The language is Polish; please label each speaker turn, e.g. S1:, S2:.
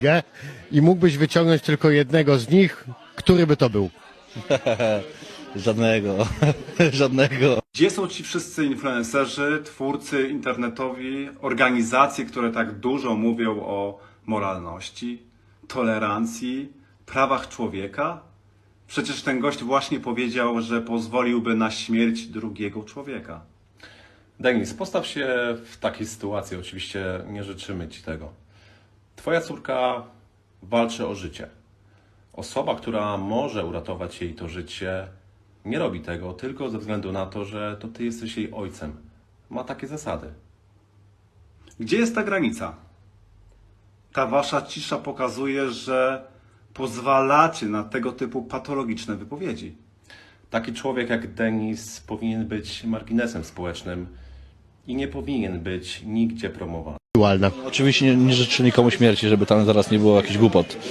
S1: i mógłbyś wyciągnąć tylko jednego z nich, który by to był?
S2: Żadnego, żadnego.
S3: Gdzie są ci wszyscy influencerzy, twórcy internetowi, organizacje, które tak dużo mówią o moralności, tolerancji, prawach człowieka? Przecież ten gość właśnie powiedział, że pozwoliłby na śmierć drugiego człowieka.
S4: Denis, postaw się w takiej sytuacji, oczywiście nie życzymy Ci tego. Twoja córka walczy o życie. Osoba, która może uratować jej to życie, nie robi tego tylko ze względu na to, że to Ty jesteś jej ojcem. Ma takie zasady.
S3: Gdzie jest ta granica? Ta wasza cisza pokazuje, że pozwalacie na tego typu patologiczne wypowiedzi.
S4: Taki człowiek jak Denis powinien być marginesem społecznym i nie powinien być nigdzie promowany.
S2: Oczywiście nie życzę nikomu śmierci, żeby tam zaraz nie było jakichś głupot.